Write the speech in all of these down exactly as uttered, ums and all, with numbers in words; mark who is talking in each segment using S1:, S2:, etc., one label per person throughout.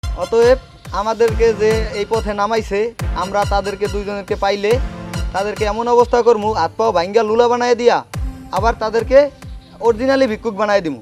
S1: অতএব আমাদেরকে যে এই পথে নামাইছে আমরা তাদেরকে দুইজনকে পাইলে তাদেরকে এমন অবস্থা করবো হাত পাও ভাঙ্গা লুলা বানায় দিয়া আবার তাদেরকে অরিজিনালি ভিক্ষুক বানায় দিমু।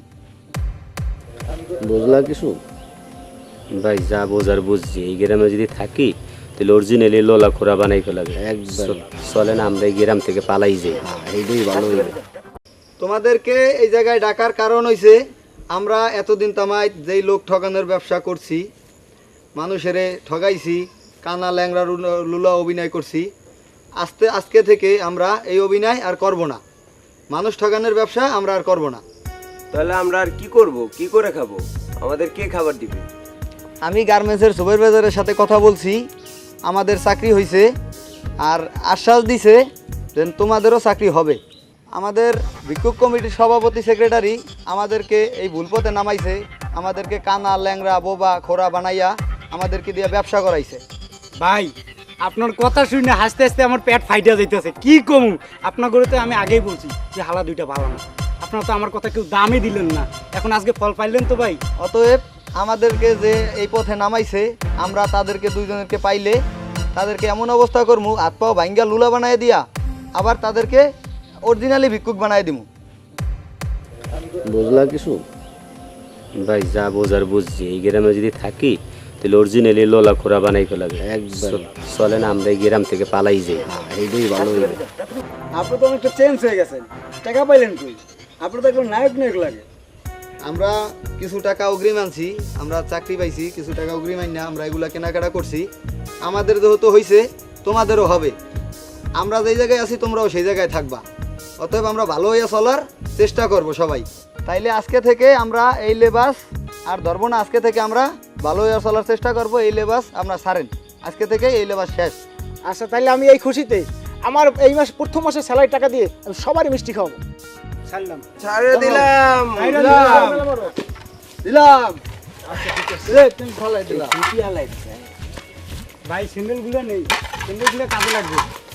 S2: বুঝলা কিছু?
S3: ভাই যা বোঝার বুঝছি, এই গ্রামে যদি থাকি তাহলে অরিজিনালি লোলা খোরা বানাই ফেলাবে।
S2: একদম
S3: চলে না আমরা এই গ্রাম থেকে পালাই যাই।
S2: এইটাই ভালো হইবে।
S1: তোমাদেরকে এই জায়গায় ডাকার কারণ হইছে আমরা এতদিন তামাই যেই লোক ঠকানোর ব্যবসা করছি, মানুষেরে ঠগাইছি, কানা ল্যাংরা লুলা- লুলা অভিনয় করছি, আস্তে আজকে থেকে আমরা এই অভিনয় আর করব না। মানুষ ঠকানোর ব্যবসা আমরা আর করব না।
S4: তাহলে আমরা আর কি করব? কি করে খাবো? আমাদের কে খাবার দিবে?
S1: আমি গার্মেন্টসের সুপারভাইজারের সাথে কথা বলছি, আমাদের চাকরি হয়েছে আর আশ্বাস দিছে যে তোমাদেরও চাকরি হবে। আমাদের ভিক্ষুক কমিটির সভাপতি সেক্রেটারি আমাদেরকে এই ভুল পথে নামাইছে, আমাদেরকে কানা ল্যাংরা বোবা খোরা বানাইয়া আমাদেরকে দিয়ে ব্যবসা করাইছে।
S5: ভাই আপনার কথা শুনে হাসতে হাসতে আমার পেট ফাইটা যাইতেছে। কি কমু? আপনার গরুতে আমি আগেই বলছি যে হালা দুইটা ভালো না। আপনারা তো আমার কথা কেউ দামই দিলেন না, এখন আজকে ফল পাইলেন তো ভাই।
S1: অতএব আমাদেরকে যে এই পথে নামাইছে আমরা তাদেরকে দুইজনকে পাইলে তাদেরকে এমন অবস্থা করবো হাত পাও ভাঙ্গা লুলা বানায় দিয়া আবার তাদেরকে অরিজিনালি ভিক্ষুক বানায় দিমু।
S2: বুঝলা কিছু?
S3: ভাই যা বোঝার বুঝছি, এই গ্রামে যদি থাকি তাহলে অরিজিনালি লোলা খোরা বানাই ফেলাবে।
S2: একদম
S3: চলে না আমরা এই গ্রাম থেকে পালাই যাই।
S2: এইটাই ভালো হইবে।
S5: আপনি তো অনেকটা চেঞ্জ হয়ে গেছেন, টাকা পাইলেন কই? আপনি তো একদম নায়ক নায়ক লাগে।
S1: আমরা কিছু টাকা অগ্রিম আনছি, আমরা চাকরি পাইছি, কিছু টাকা অগ্রিম আইন না আমরা এগুলা কেনাকাটা করছি। আমাদের যেহেতু হয়েছে তোমাদেরও হবে, আমরা যেই জায়গায় আছি তোমরাও সেই জায়গায় থাকবা। অতএব আমরা ভালো হইয়া চলার চেষ্টা করব সবাই। তাইলে আজকে থেকে আমরা এই লেবাস আর ধরবো না, আজকে থেকে আমরা ভালো হইয়া চলার চেষ্টা করব। এই লেবাস আমরা ছাড়েন, আজকে থেকে এই লেবাস শেষ।
S6: আচ্ছা তাহলে আমি এই খুশিতে আমার এই মাস প্রথম মাসে স্যালারি টাকা দিয়ে আমি সবারই মিষ্টি খাওয়াবো।
S5: ছাড়লাম
S4: ছাড়ে দিলাম।
S1: দিলাম
S5: ভাই, স্যান্ডেলগুলো নেই, স্যান্ডেলগুলো কাজে লাগবে।